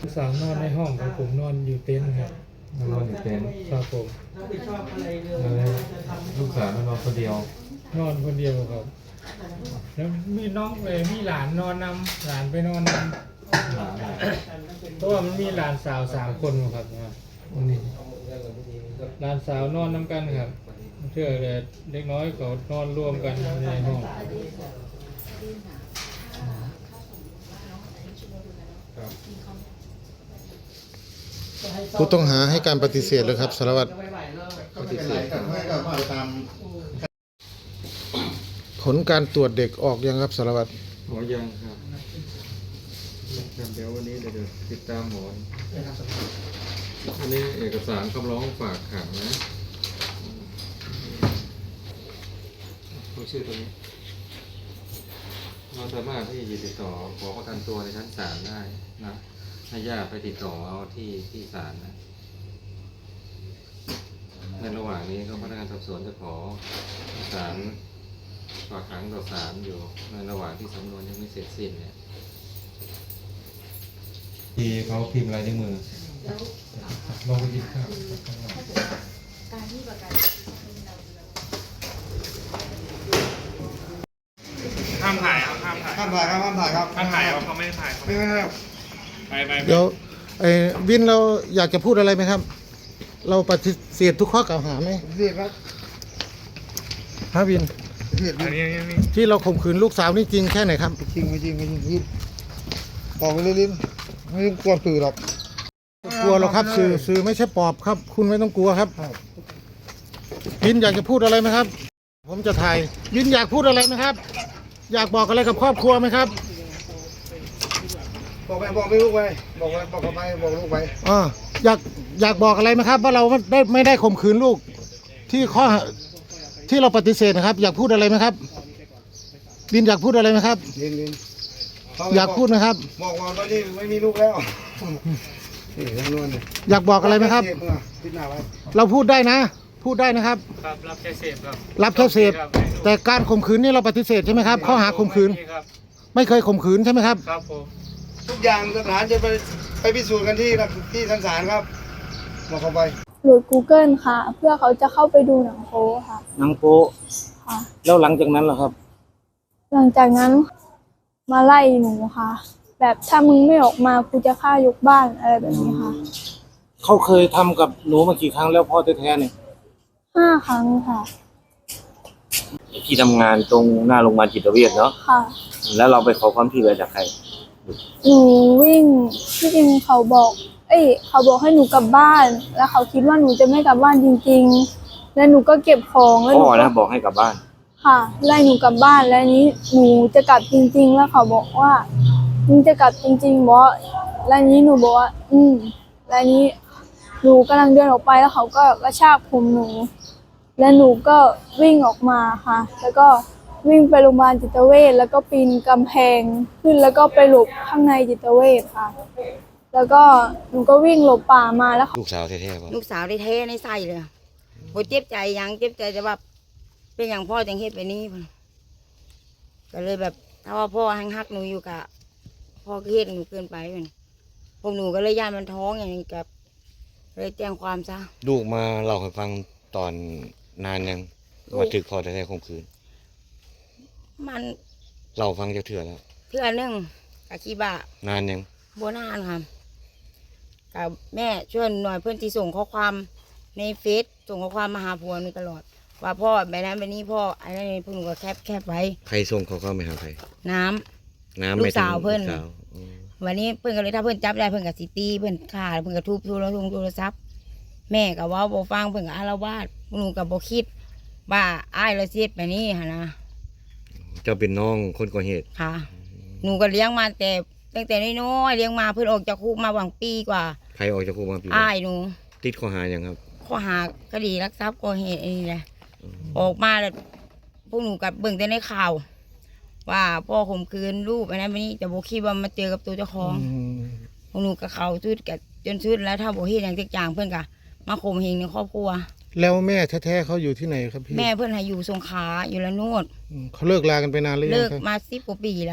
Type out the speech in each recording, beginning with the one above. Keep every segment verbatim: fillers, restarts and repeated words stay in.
สาวนอนในห้องครับผมนอนอยู่เต็นท์ครับนอนอยู่เต็นท์ครับผมแล้วลูกสาวนอนคนเดียวนอนคนเดียวครับแล้วมีน้องเลยมีหลานนอนนำหลานไปนอนนำหลานอะไรเพราะว่ามันมีหลานสาวสามคนครับนะวันนี้หลานสาวนอนนำกันครับเชื่อเลยเด็กน้อยเขานอนร่วมกันในห้องผู้ต้องหาให้การปฏิเสธเลยครับสารวัตรปฏิเสธครับผลการตรวจเด็กออกยังครับสารวัตรหมอยังครับเดี๋ยววันนี้เดี๋ยวติดตามหมออันนี้เอกสารคำร้องฝากขังนะดูชื่อตัวนี้เราสามารถที่จะติดต่อขอประกันตัวในชั้นศาลได้นะให้ญาติไปติดต่อเอาที่ที่ศาลนะในระหว่างนี้ก็พนักงานสอบสวนจะขอศาลฝากขังต่อศาลอยู่ในระหว่างที่สำนวนยังไม่เสร็จสิ้นเนี่ยที่เขาพิมพ์ลายนิ้วมือลองไปกินข้าวการที่ประกันห้ามถ่ายครับห้ามถ่ายห้ามถ่ายครับห้ามถ่ายครับห้ามถ่ายครับเขาไม่ได้ถ่ายไม่ไม่ไม่ไปไปเดี๋ยวไอ้วินเราอยากจะพูดอะไรไหมครับ เราปฏิเสธทุกข้อกล่าวหาไหมเสียครับฮะวินเสียอันนี้อันนี้ที่เราข่มขืนลูกสาวนี่จริงแค่ไหนครับจริงไม่จริงไม่จริงพี่บอกไปเลยลิ้นไม่ต้องกลัวสื่อหรอกกลัวหรอกครับสื่อสื่อไม่ใช่ปอบครับ คุณไม่ต้องกลัวครับครับวินอยากจะพูดอะไรไหมครับ ผมจะถ่ายวินอยากพูดอะไรไหมครับ อยากบอกอะไรกับครอบครัวไหมครับบอกไปบอกไม่ลูกไปบอกไปบอกไปบอกลูกไปอ่าอยากอยากบอกอะไรไหมครับ ว่าเราได้ไม่ได้ข่มขืนลูก ที่ข้อที่เราปฏิเสธนะครับ อยากพูดอะไรไหมครับวินอยากพูดอะไรไหมครับลิ้นลิ้นอยากพูดนะครับบอกว่าตอนนี้ไม่มีลูกแล้วนี่จำนวนนี่อยากบอกอะไรไหมครับเสพเมื่อพิจารณาไว้เราพูดได้นะ พูดได้นะครับครับรับแค่เสพครับรับแค่เสพแต่การข่มขืนนี่เราปฏิเสธใช่ไหมครับข้อหาข่มขืนครับไม่เคยข่มขืนใช่ไหมครับครับผมทุกอย่างสถานจะไปไปพิสูจน์กันที่ที่ชั้นศาลครับบอกเขาไปโหลด Google ค่ะ เพื่อเขาจะเข้าไปดูหนังโป๊ค่ะหนังโป๊ะค่ะแล้วหลังจากนั้นล่ะครับหลังจากนั้นมาไล่หนูค่ะ แบบถ้ามึงไม่ออกมากูจะฆ่ายกบ้านอะไรแบบนี้ค่ะเขาเคยทำกับหนูมากี่ครั้งแล้วพ่อแท้ๆเนี่ยห้าครั้งค่ะที่ทำงานตรงหน้าโรงพยาบาลจิตเวชเนาะค่ะแล้วเราไปขอความช่วยเหลือจากใครหนูวิ่งที่จริงเขาบอก เอ้ยเขาบอกให้หนูกลับบ้าน แล้วเขาคิดว่าหนูจะไม่กลับบ้านจริงๆ แล้วหนูก็เก็บของแล้วหพ่นูอก็นะบอกให้กลับบ้านค่ะไล่หนูกลับบ้านแล้วนี้หนูจะกลับจริง ๆ แล้วเขาบอกว่ามึงจะกลับจริงๆบอสแล้วนี้หนูบอกว่า อืมแล้วนี้หนูกำลังเดินออกไปแล้วเขาก็กระชากผมหนู แล้วหนูก็วิ่งออกมาค่ะ แล้วก็วิ่งไปโรงพยาบาลจิตเวชแล้วก็ปีนกำแพงขึ้นแล้วก็ไปหลบข้างในจิตเวชค่ะ แล้วก็หนูก็วิ่งหลบป่ามาแล้วลูกสาวแท้ๆป่ะลูกสาวได้เทในไส้เลยโหเจ็บใจยังเจ็บใจแต่ว่าเป็นอย่างพ่อจังเฮ็ดไปนี้พุ่นก็เลยแบบถ้าว่าพ่อหังฮักหนูอยู่กะพ่อก็เฮ็ดหนูเกินไปมันพวกหนูก็เลยย่านมันท้องอย่างนี้กับเลยแจ้งความซะลูกมาเล่าให้ฟังตอนนานยังว่าถึกพ่อแท้ๆข่มขืนมันเล่าฟังจะเถื่อแล้วเทื่อนึงกะขี้บ้านานยังโบนานค่ะกับแม่ช่วยหน่อยเพื่อนที่ส่งข้อความในเฟซส่งข้อความมาหาผัวหนูตลอด ว่าพ่อแบบนั้นแบบนี้พ่ออันนั้นพวกหนูก็แคบแคบไว้ใครส่งเขาเข้าไปหาใครน้ำน้ำลูกไม่ถึงสาวเพิ่นลูกสาวอืมวันนี้เพื่อนก็เลยถ้าเพื่อนจับได้เพื่อนกับสิตีเพื่อนฆ่าเพื่อนกับทุบโทรศัพท์โทรศัพท์แม่กับว่าโบฟังเพื่อนกับอารวาสหนูกับโบคิดว่าอ้ายเราเสียดแบบนี้ฮะนะเจ้าเป็นน้องคนก่อเหตุค่ะ หนูก็เลี้ยงมาแต่ตั้งแต่น้อยๆเลี้ยงมาเพื่อนออกจากคุกมาหวังปีกว่าใครออกจากคุกมาปีอ้ายหนูติดข้อหายังครับข้อหาคดีลักทรัพย์ก่อเหตุอันนี้แหละออกมาแล้วพวกหนูกับเบิ่งแต่ในข่าว ว่าพ่อข่มขืนลูกอันนั้นอันนี้แต่โบคิดว่ามาเจอกับตัวเจ้าของพวกหนูกับเขาชุดกับจนชุดแล้วถ้าโบเห็นอย่างจางเพื่อนกะมาข่มเหงในครอบครัวแล้วแม่แท้ๆเขาอยู่ที่ไหนครับพี่แม่เพื่อนให้อยู่สงขลาอยู่ละโนดอืมเขาเลิกลากันไปนานหรือยัเลิงกครับมาสิบกว่าปีละ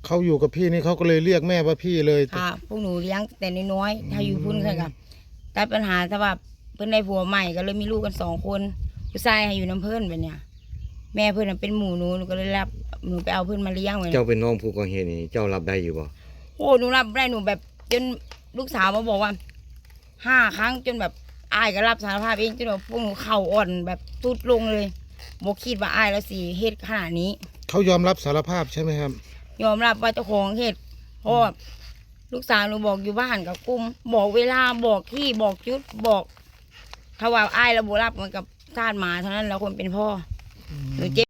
เขาอยู่กับพี่นี่เขาก็เลยเรียกแม่ว่าพี่เลยค่ะพวกหนูเลี้ยงแต่น้อยๆถ้าอยู่พุ่นค่ะแต่ปัญหาถ้าว่าเพิ่นได้ผัวใหม่ก็เลยมีลูกกันสองคนผู้ชายให้อยู่น้ำเพิ่นแบบเนี้ยแม่เพิ่นนะเป็นหมู่หนูหนูก็เลยรับหนูไปเอาเพิ่นมาเลี้ยงไว้เจ้าเป็นน้องผู้ก่อเหตุนี่เจ้ารับได้อยู่บ่โอ้หนูรับได้หนูแบบจนลูกสาวมาบอกว่าห้าครั้งจนแบบอายก็รับสารภาพเองจนแบบพวกหนูเข่าอ่อนแบบทุดลงเลยบอกคิดว่าอายแล้วสิเฮ็ดขนาดนี้เขายอมรับสารภาพใช่ไหมครับยอมรับว่าเจ้าของเฮ็ดเพราะว่าลูกสาวหนูบอกอยู่บ้านกับกุ้มบอกเวลาบอกที่บอกจุดบอกถ้าว่าอายเราบ่รับเหมือนกับทาสหมาเท่านั้นแล้วคนเป็นพ่อหนูเจ็บ